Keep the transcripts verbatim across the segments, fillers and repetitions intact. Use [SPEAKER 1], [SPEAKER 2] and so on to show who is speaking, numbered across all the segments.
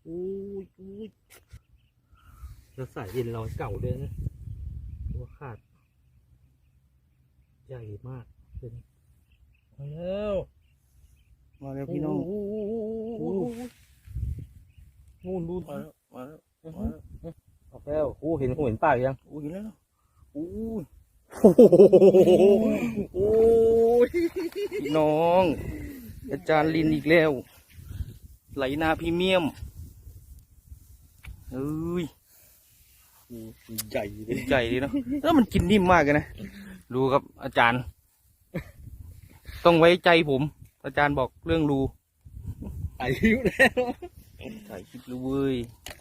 [SPEAKER 1] อู้ยอู้ยแล้วสายเย็นเราเก่าด้วยนะตัวขาดใหญ่มากเป็นมาแล้ว
[SPEAKER 2] มาแล้วพี่น้อง
[SPEAKER 1] นู่นดู
[SPEAKER 2] มาแล้วมาแล้วมาแล้ว
[SPEAKER 1] ออกแล้วโอ้เห็นหัวเห็นปากยัง
[SPEAKER 2] อู้ยแล้วอู้ย
[SPEAKER 1] โอ้ย
[SPEAKER 2] พี่น้องอาจารย์ลินอีกแล้วไหลนาพรีเมียมเอ้ย
[SPEAKER 1] ใหญ่เลย
[SPEAKER 2] ใหญ่เลยเนาะแล้วมันกินนิ่มมากเลยนะดูครับอาจารย์ ต้องไว้ใจผม อาจารย์บอกเรื่องรู
[SPEAKER 1] อายุแล้ว
[SPEAKER 2] ถ่ายคลิปรู้เว้ย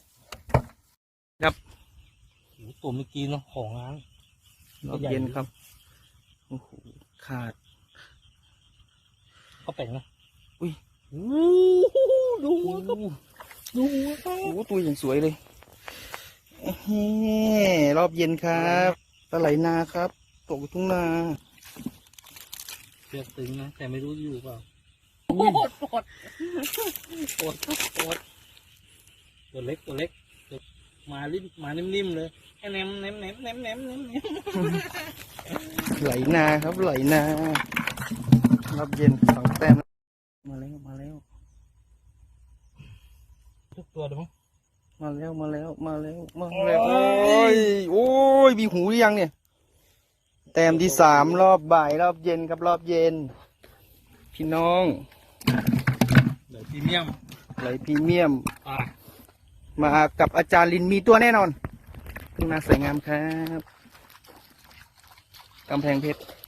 [SPEAKER 1] โอ้ตัวเมื่อกี้เนาะของล้าง
[SPEAKER 2] รอบเย็นครับโอ้โหขาด
[SPEAKER 1] เขาแป่งนะ
[SPEAKER 2] อุ้ย
[SPEAKER 1] ดูหัวครับดูหัวครับ
[SPEAKER 2] โอ้โหตัวอย่างสวยเลยเอ้ยรอบเย็นครับปลาไหลนาครับตกอยู่ทุ่งนา
[SPEAKER 1] เชือกตึงนะแต่ไม่รู้อยู่เปล่า
[SPEAKER 2] โอ้ย
[SPEAKER 1] ปวดปวดปวดตัวเล็กตัวเล็กมาลิ้มมานิ่มๆเลยแค่แหนมแหนมแหนมแหนมแหนมแหนมแหนม
[SPEAKER 2] ไหลนาครับไหลนารอบเย็นสองแต้มมาแล้วมาแล้ว
[SPEAKER 1] ทุกตัวเลยมั้ง
[SPEAKER 2] มาแล้วมาแล้วมาแล้วมาแล้วโอ้ยโอ้ยมีหูหรือยังเนี่ยแต้มที่สามรอบบ่ายรอบเย็นครับรอบเย็น พี่น้อง
[SPEAKER 1] เดี๋ยวพรีเมียม
[SPEAKER 2] ไหลพรีเมียม
[SPEAKER 1] อ่ะ
[SPEAKER 2] มากับอาจารย์ลินมีตัวแน่นอนทุ่งนาสวยงามครับกำแพงเพชร